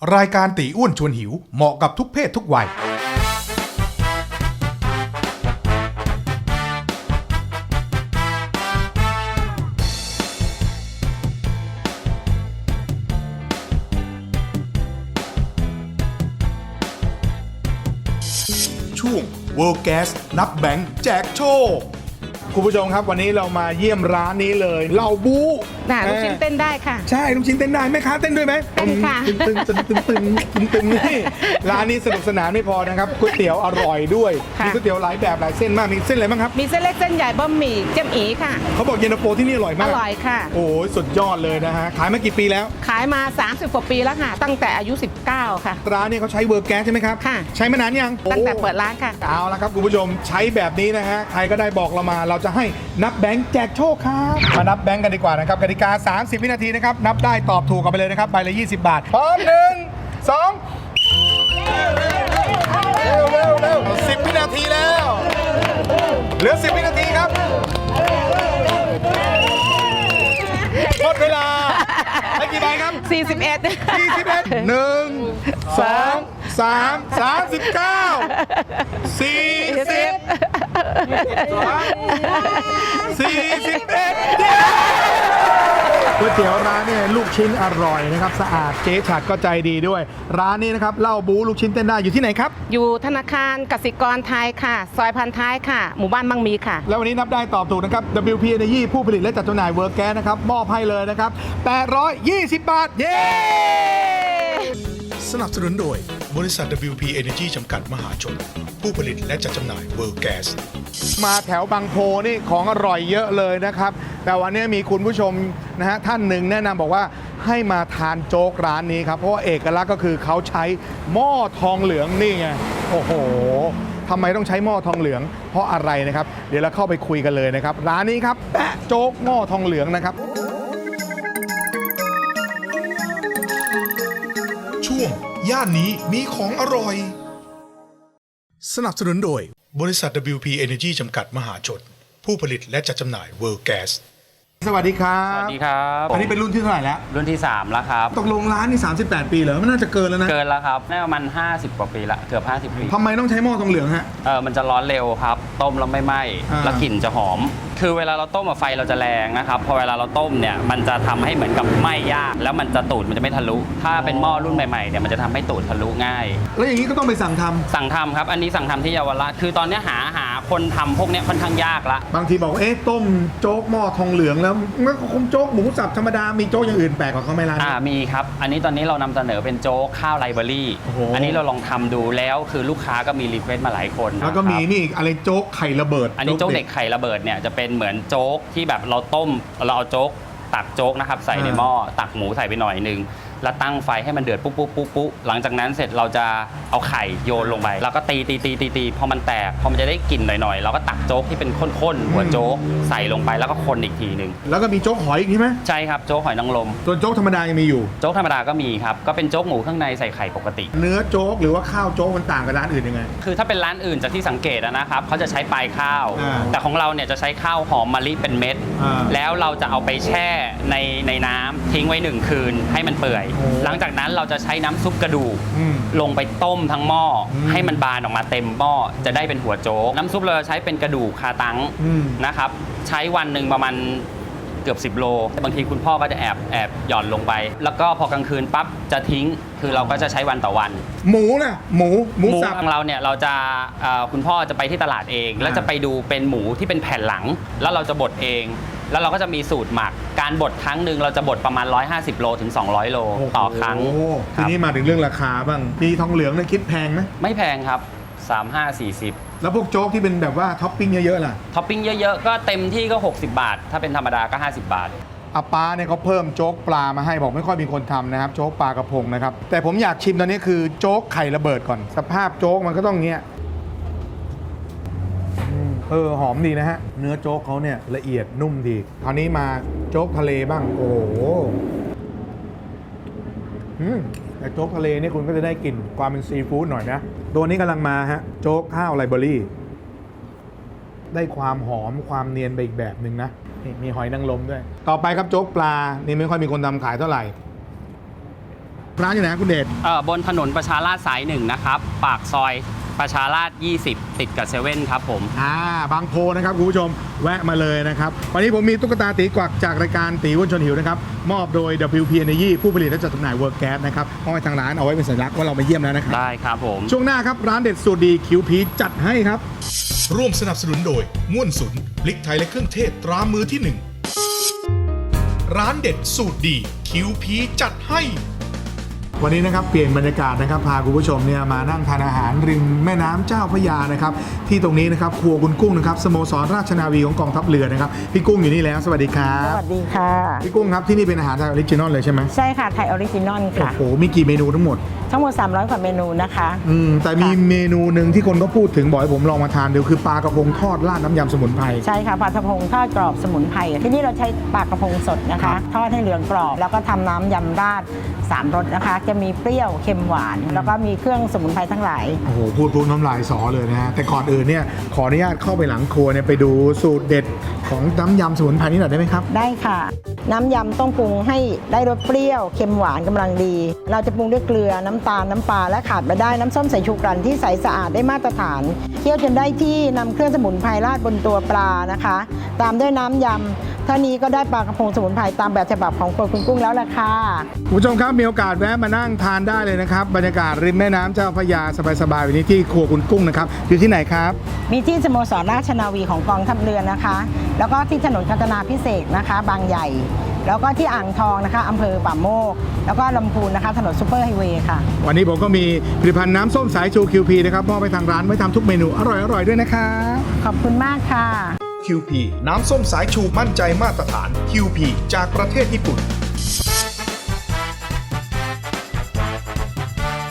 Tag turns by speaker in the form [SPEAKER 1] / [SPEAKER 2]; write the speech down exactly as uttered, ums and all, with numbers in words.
[SPEAKER 1] รายการตีอ้วนชวนหิวเหมาะกับทุกเพศทุกวัยช่วง World Gas นับแบงค์แจกโชคคุณผู้ชมครับวันนี้เรามาเยี่ยมร้านนี้เลยเหล่าบู๊
[SPEAKER 2] น่ะลูกชิ้นเต้นได้ค่ะ
[SPEAKER 1] ใช่ลูกชิ้นเต้นได้แม่ค้าเต้นด้วยไหม
[SPEAKER 2] เต้นค่ะ
[SPEAKER 1] ตึงตึงตึงตึงตึงตึงตึงนี่ร้านนี้สนุกสนานไม่พอนะครับก๋วยเตี๋ยวอร่อยด้วยมีก๋วยเตี๋ยวหลายแบบหลายเส้นมากมีเส้นอะไรบ้างครับ
[SPEAKER 2] มีเส้นเล็กเส้นใหญ่บะหมี่เจียมอีค่ะ
[SPEAKER 1] เขาบอกเย็นตาโฟที่นี่อร่อยมา
[SPEAKER 2] อก ร่อยค่ะ
[SPEAKER 1] โอ้ยสุดยอดเลยนะฮะขายมากี่ปีแล้ว
[SPEAKER 2] ขายมาสามสิบกว่าปีแล้วค่ะตั้งแต่อายุสิบเก้าค่ะ
[SPEAKER 1] ร้านนี้เขาใช้เวอร์แก๊สใช่ไหมครับ
[SPEAKER 2] ค่ะ
[SPEAKER 1] ใช้มานานยัง
[SPEAKER 2] ตั้งแต่เปิดร้านค่ะ
[SPEAKER 1] เอาละครับคุณผู้ชมใช้แบบนี้นะฮะใครก็ได้บอกเรามาเราจะให้นับแบงค์แจกโชคครับมานับแบงค์กันดีกว่านะครับกติกาสามสิบวินาทีนะครับนับได้ตอบถูกกันไปเลยนะครับใบละยี่สิบบาทพร้อมหนึ่งสองเร็วเร็วเร็วสิบวินาทีแล้วเหลือสิบวินาทีครับหมดเวลาได้กี่ใบครับ
[SPEAKER 2] สี่สิบเอ็ด
[SPEAKER 1] สี่สิบเอ็ด หนึ่ง สอง สาม สามสิบเก้า สี่สิบ สี่สิบเอ็ดก๋วยเตี๋ยวร้านเนี่ยลูกชิ้นอร่อยนะครับสะอาดเจ๊ฉัดก็ใจดีด้วยร้านนี้นะครับเหล้าบู๊ลูกชิ้นเต้นได้อยู่ที่ไหนครับ
[SPEAKER 2] อยู่ธนาคารกสิกรไทยค่ะซอยพันท้ายค่ะหมู่บ้านบางมีค่ะ
[SPEAKER 1] แล้ววันนี้นับได้ตอบถูกนะครับ ดับเบิลยู พี Energy ผู้ผลิตและจัดจำหน่ายเวิร์กแก๊สนะครับมอบให้เลยนะครับแปดร้อยยี่สิบบาทเย้สนับสนุนโดยบริษัท ดับเบิลยู พี Energy จำกัดมหาชนผู้ผลิตและจัดจำหน่ายเวิร์กแก๊สมาแถวบางโพนี่ของอร่อยเยอะเลยนะครับแต่วันนี้มีคุณผู้ชมนะฮะท่านหนึ่งแนะนำบอกว่าให้มาทานโจ๊กร้านนี้ครับเพราะว่าเอกลักษณ์ก็คือเขาใช้หม้อทองเหลืองนี่ไงโอ้โหทำไมต้องใช้หม้อทองเหลืองเพราะอะไรนะครับเดี๋ยวเราเข้าไปคุยกันเลยนะครับร้านนี้ครับแปะโจ๊กหม้อทองเหลืองนะครับช่วงย่านนี้มีของอร่อยสนับสนุนโดยบริษัท ดับเบิลยู พี Energy จำกัดมหาชนผู้ผลิตและจัดจำหน่าย World Gas สวัสดีครับ
[SPEAKER 3] สวัสดีครับ
[SPEAKER 1] อันนี้เป็นรุ่นที่เท่าไหร่แล้ว
[SPEAKER 3] รุ่นที่สามแล้วครับ
[SPEAKER 1] ตกลงร้านนี่สามสิบแปดปีเหรอมันน่าจะเกินแล้วนะ
[SPEAKER 3] เกินแล้วครับน่าประมาณห้าสิบกว่าปีละเกือบห้าสิบปี
[SPEAKER 1] ทำไมต้องใช้หม้อทองเหลืองฮะ
[SPEAKER 3] เออมันจะร้อนเร็วครับต้มแล้วไม่ไหม้แล้วกลิ่นจะหอมคือเวลาเราต้มไฟเราจะแรงนะครับพอเวลาเราต้มเนี่ยมันจะทำให้เหมือนกับไหม้ยากแล้วมันจะตูดมันจะไม่ทะลุถ้าเป็นหม้อรุ่นใหม่ๆเนี่ยมันจะทำให้ตูดทะลุง่าย
[SPEAKER 1] แล้วอย่างนี้ก็ต้องไปสั่งทำ
[SPEAKER 3] สั่งทำครับอันนี้สั่งทำที่เยาวราชคือตอนนี้หาหาคนทำพวกนี้ค่อนข้างยากละ
[SPEAKER 1] บางทีบอกเอ๊ะต้มโจ๊กหม้อทองเหลืองแล้วมันก็คงโจ๊กหมูสับธรรมดามีโจ๊กอย่างอื่นแปลกกว่าเขาไหมร้าน
[SPEAKER 3] อ่ามีครับอันนี้ตอนนี้เรานำเสนอเป็นโจ๊กข้าวไรเบอรี่อันนี้เราลองทำดูแล้วคือลูกค้าก็มีรีเควสต์มาหลายคน
[SPEAKER 1] แล้วก็มีนี่อะไรโจ๊กไข่ระเบิด
[SPEAKER 3] อันนี้โจ๊กเด็กไข่ระเบิดเนี่ยจะเป็นเหมือนโจ๊กที่แบบเราต้มเราเอาโจ๊กตักโจ๊กนะครับใส่ในหม้อตักหมูใส่ไปหน่อยนึงแล้วตั้งไฟให้มันเดือดปุ๊บปุ๊บปุ๊บปุ๊บหลังจากนั้นเสร็จเราจะเอาไข่โยนลงไปแล้วก็ตีตีตีตีตีพอมันแตกพอมันจะได้กลิ่นหน่อยๆเราก็ตักโจ๊กที่เป็นข้นๆหัวโจ๊กใส่ลงไปแล้วก็คนอีกทีนึง
[SPEAKER 1] แล้วก็มีโจ๊กหอยอีกใช่ไหม
[SPEAKER 3] ใช่ครับโจ๊กหอยนางรม
[SPEAKER 1] ส่วนโจ๊กธรรมดายังมีอยู่
[SPEAKER 3] โจ๊กธรรมดาก็มีครับก็เป็นโจ๊กหมูข้างในใส่ไข่ปกติ
[SPEAKER 1] เนื้อโจ๊กหรือว่าข้าวโจ๊กมันต่างกับร้านอื่นยังไง
[SPEAKER 3] คือถ้าเป็นร้านอื่นจากที่สังเกตนะครับเขาจะใช้ปลายข้าวแต่ของเราเนี่ยจะใช้ข้าวหอมมะลิเป็นเม็ดแล้วเราจะเอาไปแช่ในในน้ำทิ้งไว้หนึ่งคืนให้มันเปื่อยหลังจากนั้นเราจะใช้น้ำซุปกระดูกลงไปต้มทั้งหม้อให้มันบานออกมาเต็มหม้อจะได้เป็นหัวโจ๊กน้ำซุปเราใช้เป็นกระดูกคาตังนะครับใช้วันหนึ่งประมาณเกือบสิบโลบางทีคุณพ่อก็จะแอบแอบหย่อนลงไปแล้วก็พอกลางคืนปั๊บจะทิ้งคือเราก็จะใช้วันต่อวัน
[SPEAKER 1] หมูนะหมูหมูสับ
[SPEAKER 3] ของเราเนี่ยเราจะคุณพ่อจะไปที่ตลาดเองแล้วจะไปดูเป็นหมูที่เป็นแผ่นหลังแล้วเราจะบดเองแล้วเราก็จะมีสูตรหมักการบดครั้งหนึ่งเราจะบดประมาณหนึ่งร้อยห้าสิบโลถึงสองร้อยโลต่อครั้ง
[SPEAKER 1] ทีนี้มาถึงเรื่องราคาบ้างมีทองเหลืองเนี่ยคิดแพงไหม
[SPEAKER 3] ไม่แพงครับสาม ห้า สี่สิบ
[SPEAKER 1] แล้วพวกโจ๊กที่เป็นแบบว่าท็อปปิ้งเยอะๆล่ะ
[SPEAKER 3] ท็อปปิ้งเยอะๆก็เต็มที่ก็หกสิบบาทถ้าเป็นธรรมดาก็ห้าสิบบาท
[SPEAKER 1] อาป้าเนี่ยเขาเพิ่มโจ๊กปลามาให้บอกไม่ค่อยมีคนทำนะครับโจ๊กปลากระพงนะครับแต่ผมอยากชิมตอนนี้คือโจ๊กไข่ระเบิดก่อนสภาพโจ๊กมันก็ต้องเงี้ยเออหอมดีนะฮะเนื้อโจ๊กเขาเนี่ยละเอียดนุ่มดีคราวนี้มาโจ๊กทะเลบ้างโอ้โหอืมแต่โจ๊กทะเลนี่คุณก็จะได้กลิ่นความเป็นซีฟู้ดหน่อยนะตัวนี้กำลังมาฮะโจ๊กข้าวไรเบอรี่ได้ความหอมความเนียนไปอีกแบบหนึ่งนะนี่มีหอยนางรมด้วยต่อไปครับโจ๊กปลานี่ไม่ค่อยมีคนทำขายเท่าไหร่ร้านอยู่ไหนครับคุณเดช
[SPEAKER 3] เอ่อบนถนนประชาราษฎร์สายหนึ่งนะครับปากซอยประชาราษฎร์ยี่สิบติดกับเซเว่นครับผม
[SPEAKER 1] อ่าบางโพนะครับคุณผู้ชมแวะมาเลยนะครับวันนี้ผมมีตุ๊กตาตีกวักจากรายการตีอ้วนชวนหิวนะครับมอบโดย ดับเบิลยู พี Energy ผู้ผลิตและจัดจำหน่าย World Gas นะครับมอบให้ทางร้านเอาไว้เป็นสัญลักษณ์ว่าเรามาเยี่ยมแล้วนะครับ
[SPEAKER 3] ได้ครับผม
[SPEAKER 1] ช่วงหน้าครับร้านเด็ดสูตรดีคิวพีจัดให้ครับร่วมสนับสนุนโดยม่วนสุนพริกไทยและเครื่องเทศตรามือที่หนึ่งร้านเด็ดสูตรดีคิวพีจัดให้วันนี้นะครับเปลี่ยนบรรยากาศนะครับพาคุณผู้ชมเนี่ยมานั่งทานอาหารริมแม่น้ำเจ้าพระยานะครับที่ตรงนี้นะครับครัวคุณกุ้งนะครับสโมสรราชนาวีของกองทัพเรือนะครับพี่กุ้งอยู่นี่แล้วสวัสดีครับ
[SPEAKER 4] สวัสดีค่ะ
[SPEAKER 1] พี่กุ้งครับที่นี่เป็นอาหารไทยออริจินอลเลยใช่ไหม
[SPEAKER 4] ใช่ค่ะ ไทยออริจินอล
[SPEAKER 1] โอ้
[SPEAKER 4] ค่ะ
[SPEAKER 1] โหมีกี่เมนูทั้งหมด
[SPEAKER 4] ทั้งหมด สามร้อย กว่าเมนูนะคะ
[SPEAKER 1] อืมแต่มีเมนูหนึ่งที่คนก็พูดถึงบอกให้ผมลองมาทานดูคือปลากระพงทอดราดน้ำยำสมุนไพร
[SPEAKER 4] ใช่ค่ะปลากระพงทอดกรอบสมุนไพรที่นี่เราใช้ปลากระพงสดนะ
[SPEAKER 1] ครั
[SPEAKER 4] คะ
[SPEAKER 1] บ
[SPEAKER 4] ทอดให้เหลืองกรอบ แล้วก็ทำน้ำยำราดสามรสนะคะ จะมีเปรี้ยวเค็มหวาน แล้วก็มีเครื่องสมุนไพรทั้งหลาย
[SPEAKER 1] โอ้โหพูดปุ๊บน้ำลายสอเลยนะฮะแต่ก่อนอื่นเนี่ยขออนุญาตเข้าไปหลังครัวเนี่ยไปดูสูตรเด็ดของน้ำยำสมุนไพรนี่หน่อยได้ไหมครับ
[SPEAKER 4] ได้ค่ะ น้ำยำต้องปรุงให้ได้รสเปรี้ยวเค็มหวานกำลังดี เราจะปรุงด้วยเกลือน้ำตาลน้ำปลาและขาดไม่ได้น้ำส้มสายชูกรั่นที่ใสสะอาดได้มาตรฐานเคี่ยวจนได้ที่นำเครื่องสมุนไพรราดบนตัวปลานะคะ ตามด้วยน้ำยำเท่านี้ก็ได้ปลากระพงสมุนไพรตามแบบฉบับของครัวคุณกุ้งแล้วล่ะค่ะ
[SPEAKER 1] คุณผู้ชมครับมีโอกาสแวะมานั่งทานได้เลยนะครับบรรยากาศริมแม่น้ำเจ้าพระยาสบายๆวันนี้ที่ครัวคุณกุ้งนะครับอยู่ที่ไหนครับ
[SPEAKER 4] มีที่สโมสรราชนาวีของกองทัพเรือนะคะ แล้วก็ที่ถนนกาญจนาพิเศษกนะคะ บางใหญ่ แล้วก็ที่อ่างทองนะคะอำเภอป่าโมก แล้วก็ลำพูนนะคะ ถนนซูเปอร์ไฮเวย์ค่ะ
[SPEAKER 1] วันนี้ผมก็มีผลิตภัณฑ์น้ำส้มสายชู คิว พี นะครับมอบไปทางร้านไว้ทำทุกเมนูอร่อยๆด้วยนะครับ
[SPEAKER 4] ขอบคุณมากค่ะ
[SPEAKER 1] คิว พี น้ำส้มสายชูมั่นใจมาตรฐาน คิว พี จากประเทศญี่ปุ่น